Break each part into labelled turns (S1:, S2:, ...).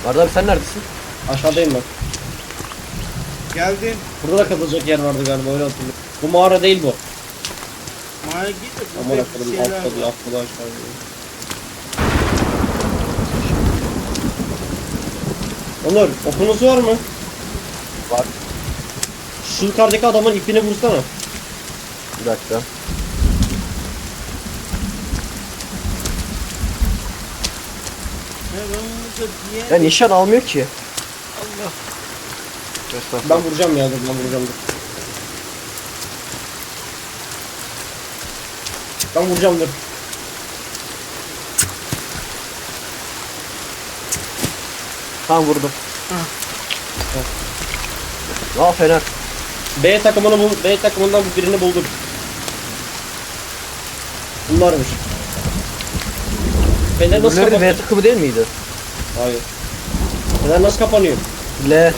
S1: Arda abi sen neredesin?
S2: Aşağıdayım ben.
S3: Geldim.
S2: Burada da kapılacak yer vardı galiba, öyle hatırlıyorum. Bu mağara değil bu.
S3: Mağara git de
S2: Aman
S3: burada
S2: akıllım,
S3: bir şeyler
S2: atladı
S3: var.
S2: atladı aşağıya. Onur, okunuz var mı?
S1: Var.
S2: Şu yukarıdaki adamın ipini vursana.
S1: Bir dakika.
S3: Ya ben burada bir yer...
S1: Ya nişan almıyor ki.
S4: Allah.
S2: Ben vuracağım ya, dur ben vuracağım dur. Ben vuracağım dur.
S1: Tamam vurdum.
S3: Hah.
S1: Aa fener.
S2: B takımını bul, B takımından birini bulduk. Bunlarmış. Fener nasıl
S1: Bunları
S2: kapanıyor?
S1: V takımı değil miydi?
S2: Hayır. Fener nasıl kapanıyor?
S1: L.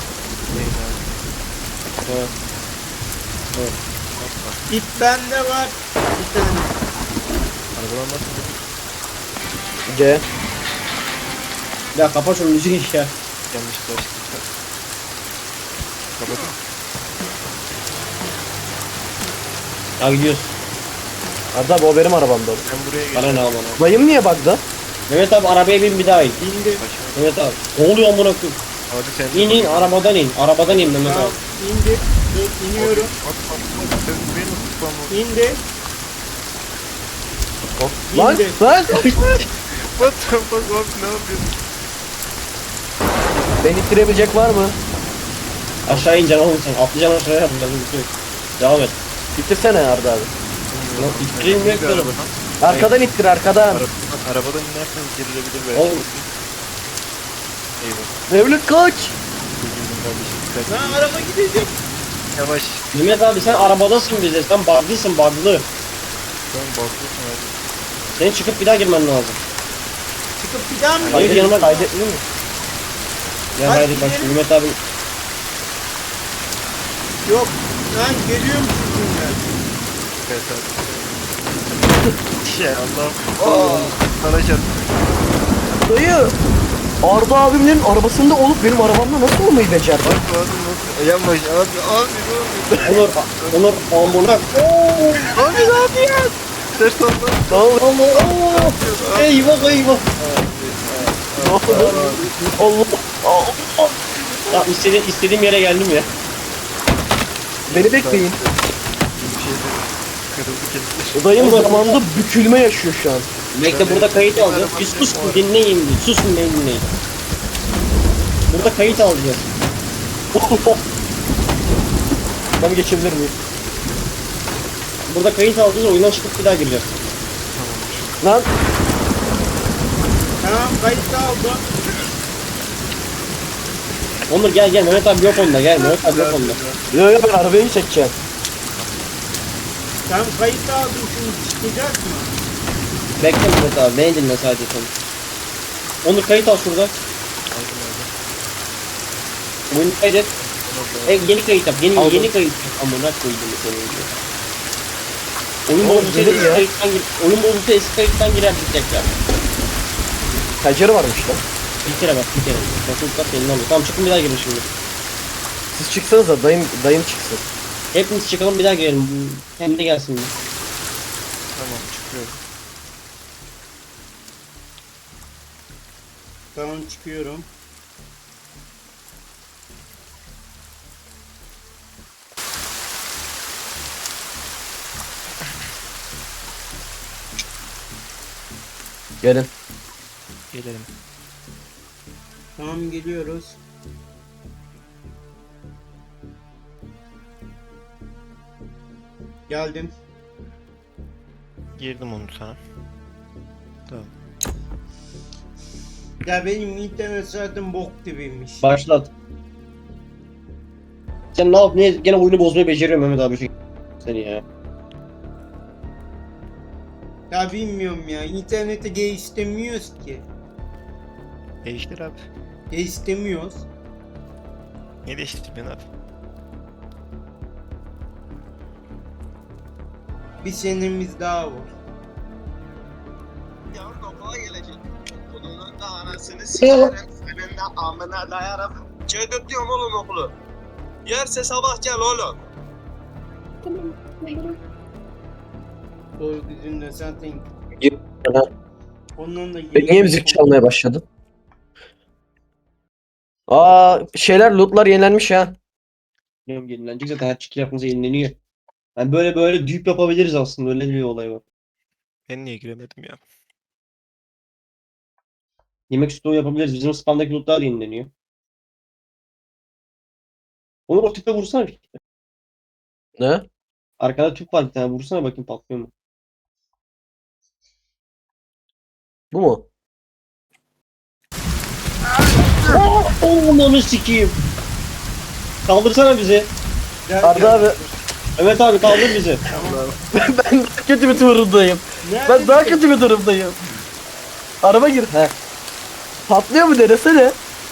S2: Evet. Evet.
S3: İp bende var. Bir tane.
S4: Arabadan basın.
S1: C.
S2: Ya kapa şu müziği ya.
S4: Yanlış başladı. Kapatın.
S2: Ya gidiyoruz.
S1: Arda abi o benim arabamda.
S4: Ben buraya
S2: Bana
S4: geçeceğim.
S2: ne al bana.
S1: Dayım niye bug'da?
S2: Mehmet abi arabaya bin bir daha in.
S3: İndi.
S4: Başım.
S2: Mehmet abi. Ne oluyor amına koyayım?
S4: Hadi sen.
S2: İn in arabadan in. Arabadan in Mehmet
S3: Tamam.
S2: abi.
S3: İndi. Dur iniyorum.
S4: At. Sen beni nasıl tutmam?
S3: İndi.
S1: Lan
S3: İndi.
S1: lan.
S4: What the fuck abi ne yapıyorsun?
S1: Beni ittirebilecek var mı?
S2: Aşağı ineceksin oğlum sen. Atlayacaksın aşağıya yapacaksın. Devam et.
S1: İttirsene Arda abi.
S2: Lan ittirilmiyor ki oğlum.
S1: Arkadan ittir arkadan.
S4: Arabadan inersen girilebilir belki.
S2: Oğlum.
S4: Eyvah.
S1: Mevlüt kaç.
S4: Üzüldüm kardeşim. Dikkat
S3: Lan
S4: et.
S3: araba gidecek.
S4: Yavaş.
S2: Mehmet abi sen arabadasın bize. Sen bug'lısın bug'lı.
S4: Tamam bakıyorsun hadi.
S2: Senin çıkıp bir daha girmen lazım.
S3: Çıkıp bir daha mı
S2: Hayır,
S3: gidecek?
S2: yanıma
S1: Kaydetmiyor mu?
S2: Ya
S3: Hadi
S2: hadi bak
S3: gidelim.
S2: Mehmet abi.
S3: Yok. Lan geliyorum sizinle.
S4: Evet abi. Ya Allah'ım. Bana çarptı.
S1: Dayı. Arda abimin arabasında olup benim arabamda nasıl olmayı becerdi?
S4: Bak abi nasıl? Yavaş abi.
S2: Onur, Onur amına.
S4: Abi ne yapıyorsun? Ters oldu.
S1: Ne oldu?
S2: Allah. Eyvah eyvah.
S1: Ne oldu? Allah. Allah.
S2: Ya istediğim yere geldim ya.
S1: Beni bekleyin.
S4: Bir şey de kırıldı kesin.
S1: Dayım zamanında bükülme yaşıyor şu an.
S2: Bekle burada kayıt alacağız. Bir sus dinleyin bir. Sus dinleyin. Burada kayıt alacağız.
S1: Ben geçebilir miyim?
S2: Burada kayıt alacağız, oyundan çıkıp bir daha gireceğiz.
S1: Lan
S3: Tamam kayıt aldım.
S2: Onur gel Mehmet abi yok onda gel Mehmet abi yok onda.
S1: yo yo ben arabayı çekeceğim.
S3: Tamam kayıt aldım şimdi çıkacak mı?
S2: Bekle Mehmet abi beni dinle sadece sen. Onur kayıt al şurada. Oyunu kaydet. Yeni kayıt yap. Yeni
S1: Aldım.
S2: kayıt yap. Amına koydum seni. Oyun
S1: Oğlum,
S2: bozulsa
S1: gelir
S2: eski
S1: ya.
S2: kayıttan oyun bozulsa eski kayıttan girerdik tekrar.
S1: Pencere varmış lan.
S2: Bir kere bak bir kere. Basılsa senin alıyor. Tamam çıkın bir daha girin şimdi.
S1: Siz çıksanıza dayım çıksın.
S2: Hepimiz çıkalım bir daha girelim. Hem de gelsin.
S4: Tamam çıkıyorum.
S3: Tamam çıkıyorum.
S1: Gelin.
S4: Gelelim.
S3: Tamam geliyoruz. Geldim.
S4: Girdim onu sana. Tamam.
S3: Ya benim internet zaten bok gibiymiş.
S2: Başlat. Sen ne yap? Niye gene oyunu bozmayı beceriyor Mehmet abi şu seni ya.
S3: Ya bilmiyorum ya. İnternete geliştirmiyoruz ki.
S4: Değiştir abi.
S3: Geliştirmiyoruz.
S4: Ne değiştirdin abi?
S3: Bir senemiz daha var.
S5: Yarın okula gelecek. Okulunun da anasını s**erim. senin de amına dayarım. Çöldürtüyorum oğlum okulu. Yerse sabah gel oğlum.
S3: O yüzünden zaten ondan da
S1: Niye müzik çalmaya başladın? Aa şeyler lootlar yenilenmiş ya.
S2: Bilmiyorum, yenilenecek zaten her çıkı yapınca yenileniyor. Yani böyle düğüp yapabiliriz aslında, öyle bir olay var.
S4: Ben niye giremedim ya?
S2: Yemek stoğu yapabiliriz. Bizim spamdaki lootlar da yenileniyor. Onur o tüpe vursana.
S1: Ne?
S2: Arkada tüp var bir tane, vursana bakayım patlıyor mu?
S1: Bu mu?
S2: Onu sikeyim. Kaldırsana bizi.
S1: Arda abi
S2: Evet abi, kaldır bizi.
S1: ben daha kötü bir durumdayım. Ben daha kötü bir durumdayım. Araba gir. He. Patlıyor mu denesene.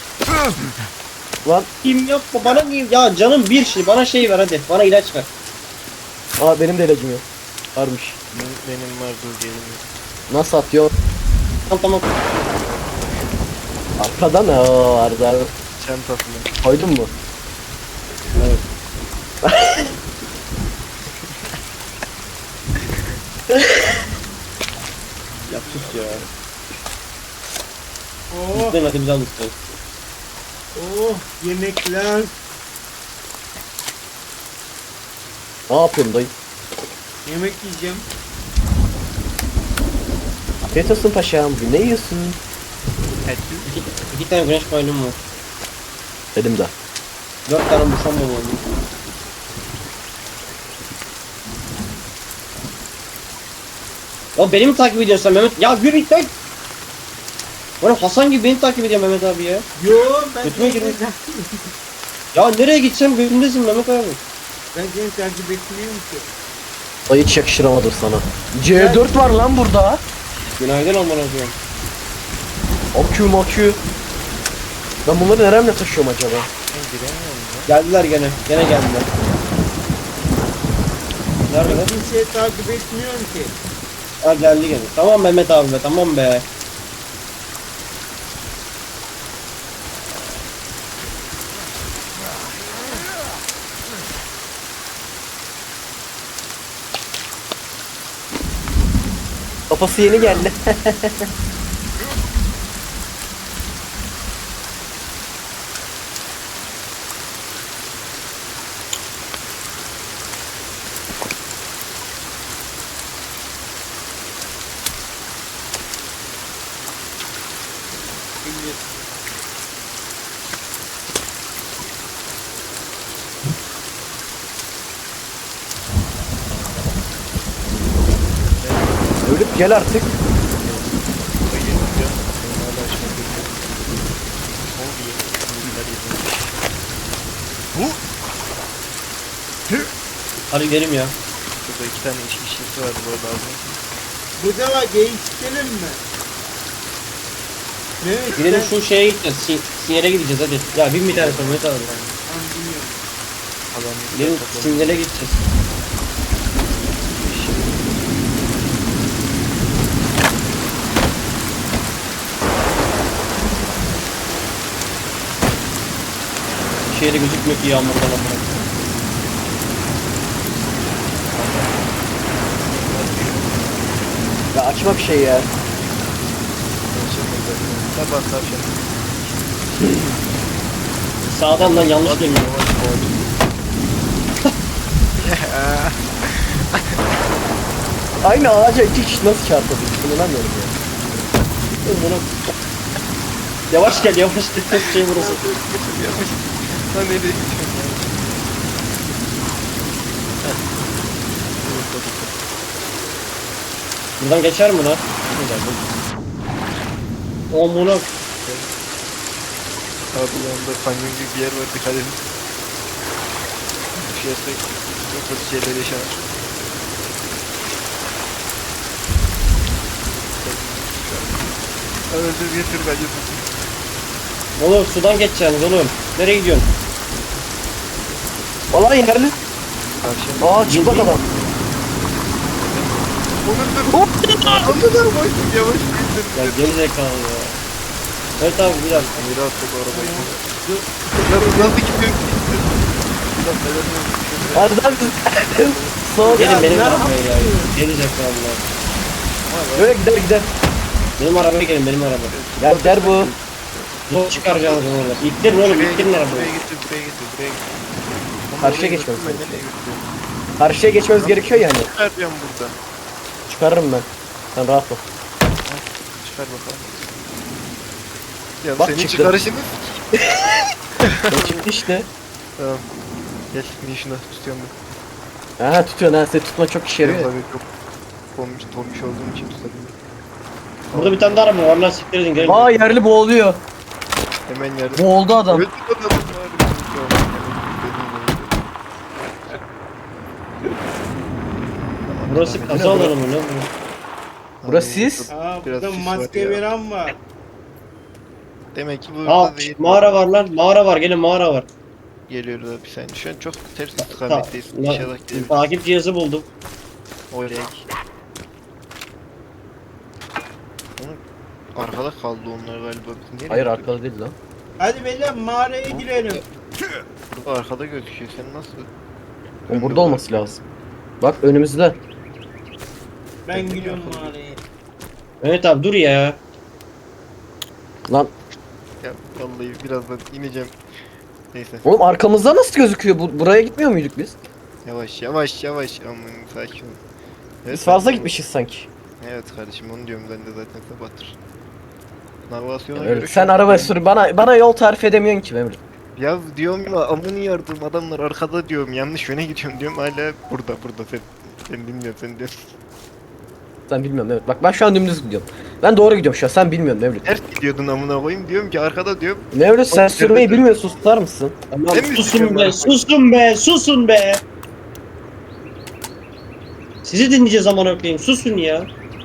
S1: Lan
S2: Kim yapma bana niye? Ya canım bir şey, bana şey ver hadi. Bana ilaç ver.
S1: aa benim de ilacım yok. Varmış.
S4: Benim var, dur geliyorum.
S1: Nasıl atıyor?
S2: Tamam.
S1: Arkadan o Arda abi.
S4: Çantasını.
S1: Koydun mu?
S2: Evet. Ya sus ya.
S3: Oh,
S2: Lütfen hadi bizi al lütfen.
S3: oh yemekler.
S1: Ne yapıyorsun dayı?
S3: Yemek yiyeceğim.
S1: Afiyet olsun paşam. Ne yiyorsun?
S2: İki tane güneş paylum var.
S1: Dedim de.
S2: 4 tane muşamba oldu. Ya beni mi takip ediyorsun sen Mehmet? Ya yürü git lan! Oğlum Hasan gibi beni takip ediyor Mehmet abi ya.
S3: Yo ben
S2: Götüme girin. Ya nereye gitsem gözümdesin Mehmet abi.
S3: Ben seni takip etmiyorum ki.
S1: Dayı hiç yakıştıramadım sana. C4 var lan burada.
S2: Günaydın aman hocam.
S1: Akü makü. Ben bunları neremle taşıyorum acaba?
S4: Ben giremiyorum ya.
S2: Geldiler gene. Gene geldiler.
S3: Ben
S2: Nerede?
S3: kimseyi takip etmiyorum ki.
S2: Ha geldi gene. Tamam Mehmet abi be, tamam be.
S1: Kafası yeni geldi. Ölüp gel artık.
S4: Bayıldım ya. Ben hala açmak bekliyorum. Ne oldu ya? Bilgiler yedim.
S2: Hadi gidelim ya.
S4: Burada 2 tane işçisi vardı, bu lazım.
S3: Burada var değiştirelim mi? Evet
S2: Gidelim
S3: ben
S2: şu şeye gideceğiz. Sinyale gideceğiz hadi. Ya bin bir tane sonra Mehmet abi.
S3: anlıyorum.
S4: Adam
S2: Gidelim
S4: toplamış.
S2: sinyale gideceğiz. Şeyde gözükmüyor ki yağmurdan ama.
S1: Ya açma bir şey ya.
S4: Sabah tavşan.
S2: Sağdan lan yanlış dönüyor.
S1: Aynı ağaca iki kişi nasıl çarpabilir? İnanamıyorum ya.
S2: Bunu... Yavaş gel yavaş gel. Tek şey burası.
S4: Lan nereye gidiyorsun ya?
S2: Buradan geçer mi lan? O bunu
S4: Abi yanında kanyon gibi bir yer var, dikkat edin. Düşersek çok kötü şeyler yaşanır. Öldür getir bence.
S2: oğlum sudan geçeceksiniz oğlum. Nereye gidiyorsun?
S1: Vallahi yerli.
S4: Tavşan.
S1: Aa çıplak adam.
S4: Onur dur. Onur dur. Yavaş indir.
S2: Ya geri zekalı ya. Evet abi bir dakika.
S4: Yürü at bu arabayı. Ya nasıl gidiyor?
S1: Arda abi. Soğuk.
S2: Gelin benim arabaya ya. Gelecek vallahi.
S1: Böyle gider gider.
S2: Benim arabaya gelin benim arabaya.
S1: Ya gider bu.
S2: Zor çıkaracağız orada. İttirin oğlum ittirin arabayı.
S4: Buraya getir, buraya getir, buraya getir.
S1: Karşıya geçmemiz gerekiyor. Karşıya geçmemiz gerekiyor yani.
S4: Çıkaracağım burada.
S1: Çıkarırım ben. Sen rahat ol.
S4: Çıkar bakalım. Ya
S1: Bak
S4: senin
S1: çıktı.
S4: çıkarışını.
S1: Ne çıktı işte.
S4: Tamam. Gel, niye şunu tutuyorum ben.
S1: Ha tutuyorsun ha. Seni tutma çok işe yarıyor. ya.
S4: Tabii çok tombiş olduğum için tutabilirim.
S2: Burada bir tane daha araba var lan siktir edin gelin.
S1: Vay yerli boğuluyor.
S4: Hemen yardım.
S1: Boğuldu adam.
S4: Öldü adam var.
S2: Burası kaza alanı mı ne bu?
S1: Burası siz.
S3: Aa
S4: Biraz
S3: burada
S4: sis var
S3: maske
S4: ya.
S3: veren var.
S4: Demek ki burada
S2: Aa
S4: değil.
S2: mağara var lan mağara var gelin mağara var.
S4: Geliyoruz abi sen. Şu an çok ters
S2: Ta-
S4: istikametteyiz.
S2: la-
S4: İnşallah geliriz.
S2: Takip cihazı buldum.
S4: Oraya gel. Arkada kaldı onlar galiba. Biz nereye
S1: Hayır
S4: gidiyoruz?
S1: arkada değil lan.
S3: Hadi beyler mağaraya girelim.
S4: Burada arkada gözüküyor. Sen nasıl?
S1: O burada olması lazım. Bak önümüzde.
S3: Ben giriyorum mağaraya.
S2: Evet abi dur ya.
S1: Lan
S4: Ya vallahi birazdan ineceğim. Neyse.
S1: oğlum arkamızda nasıl gözüküyor? Buraya gitmiyor muyduk biz?
S4: Yavaş yavaş yavaş. Aman sakin ol. Evet,
S1: Biz fazla
S4: sakin ol.
S1: gitmişiz sanki.
S4: Evet kardeşim onu diyorum ben de zaten sabahtır. Navigasyona
S1: Evet,
S4: göre
S1: sen
S4: şu an-
S1: araba sür. Bana yol tarif edemiyorsun ki Memur.
S4: Ya diyorum ya amını yardım adamlar arkada diyorum yanlış yöne gidiyorum diyorum hala burada sen dinliyorsun sen diyorsun.
S1: Sen bilmiyorum evet. Bak ben şu an dümdüz gidiyorum. Ben doğru gidiyorum şu an. Sen bilmiyorsun Mevlüt.
S4: Ters gidiyordun amına koyayım diyorum ki arkada diyorum.
S1: Mevlüt sen
S4: Bak,
S1: sürmeyi
S4: evet.
S1: bilmiyorsun. Tutar mısın?
S2: Tamam
S4: Sen mi
S2: susun
S4: sıkıyorsun
S2: be
S4: arabayı?
S2: susun be susun be. Sizi dinleyeceğiz amına koyayım susun ya.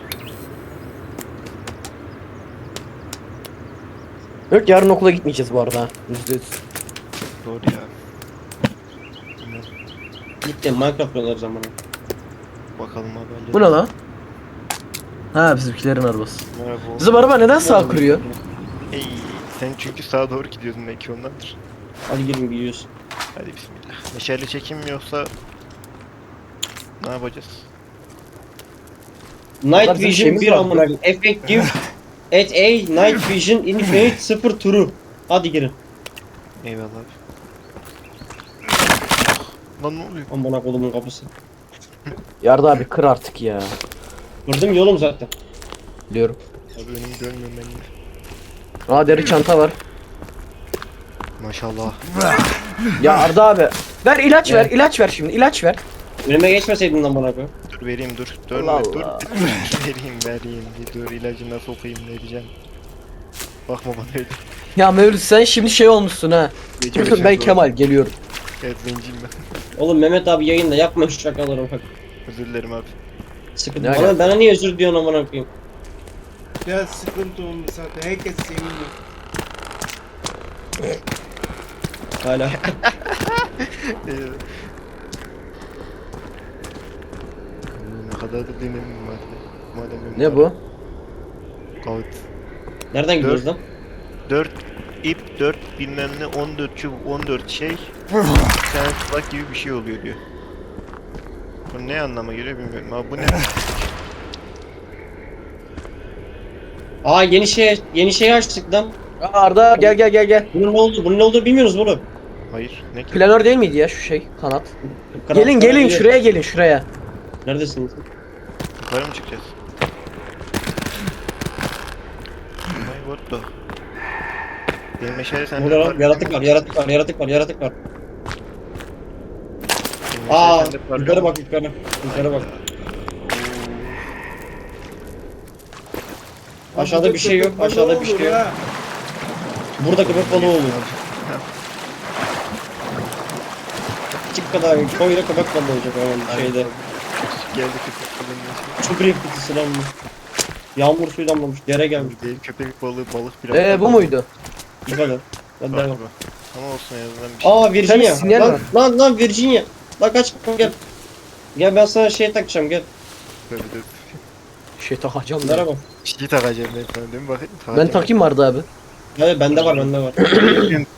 S1: Yok yarın okula gitmeyeceğiz bu arada. %100.
S4: Doğru ya.
S2: Gitti Minecraft oynar zamanı.
S4: Bakalım abi.
S1: Bu ne lan? Ha bizimkilerin arabası.
S4: Merhaba.
S1: Bizim araba neden sağ kırıyor?
S4: Hey, sen çünkü sağa doğru gidiyorsun belki ondandır.
S2: Hadi gelin gidiyoruz.
S4: Hadi bismillah. Meşale çekim mi yoksa ne yapacağız?
S2: Night
S1: bizim
S2: Vision
S1: şeyimiz
S2: 1
S1: var.
S2: amına koyayım. Effective at A Night Vision Infinite 0 turu. Hadi girin.
S4: Eyvallah abi. Lan ne oluyor?
S2: Amına kodumun kapısı.
S1: Yarda abi kır artık ya.
S2: Vurdum yolum zaten.
S1: Biliyorum.
S4: Abi önümü görmüyorum ben de.
S1: Aa deri çanta var.
S4: Maşallah.
S1: Ya Arda abi. Ver ilaç ver. ilaç ver şimdi. ilaç ver.
S2: Önüme geçmeseydin lan bana koy.
S4: Dur vereyim dur. Dönme
S1: Allah
S4: dur.
S1: Allah.
S4: vereyim. Bir dur ilacına sokayım vereceğim. Bakma bana öyle.
S1: Ya Mevlüt sen şimdi şey olmuşsun ha. Ben Kemal geliyorum.
S4: Evet zenciyim ben.
S2: Oğlum Mehmet abi yayında yapma şu şakaları bak.
S4: Özür dilerim abi.
S2: Sıkıntı.
S1: Ne
S2: Bana niye özür diyorsun amına koyayım?
S3: Biraz sıkıntı olmuş zaten. Herkes seviniyor.
S2: Hala.
S4: Ne kadar da dinledim madem.
S1: Ne bu?
S4: Kağıt.
S2: Nereden gidiyoruz lan?
S4: 4 ip 4 bilmem ne 14 çubuk 14 şey. Bir tane tuzak gibi bir şey oluyor diyor. Bu ne anlama geliyor bilmiyorum ama bu ne?
S2: Aa yeni şey açtık lan.
S1: Aa, Arda gel.
S2: Bunun ne oldu? Bunun ne olduğunu bilmiyoruz oğlum.
S4: Hayır ne ki?
S1: Planör değil miydi ya şu şey kanat?
S2: Kanat-
S1: Gelin
S2: kanat-
S1: şuraya gelin şuraya.
S2: Neredesiniz?
S4: Yukarı mı çıkacağız? My what the? Benim meşale sende
S2: Burada
S4: var.
S2: lan yaratık var.
S4: Benim meşale
S2: Aa
S4: sende var.
S2: yukarı bak yukarı. Yukarı bak. Aşağıda bir şey yok.
S3: Burada
S2: Aşağıda bir
S3: olur
S2: şey yok.
S3: ha.
S2: Burada köpek balığı oluyor. Çık kadar koyla köpek balığı olacak o şeyde.
S4: Geldi köpek balığı.
S2: Çok büyük kutusu lan bu. Yağmur suyu damlamış. Dere gelmiş.
S4: Değil köpek balığı balık biraz.
S1: Bu muydu?
S2: Bu kadar. Hadi devam.
S4: Galiba. Ama olsun en azından bir şey.
S2: Aa Virginia.
S1: Sen sinyal ver.
S2: Lan Virginia. Lan kaç gel. Gel ben sana şey takacağım gel.
S4: Böyle de
S1: Şey takacağım ben.
S2: Merhaba.
S4: bir şey takacağım ben sana değil mi bakayım?
S1: Ben takayım mı Arda abi?
S2: Evet bende var.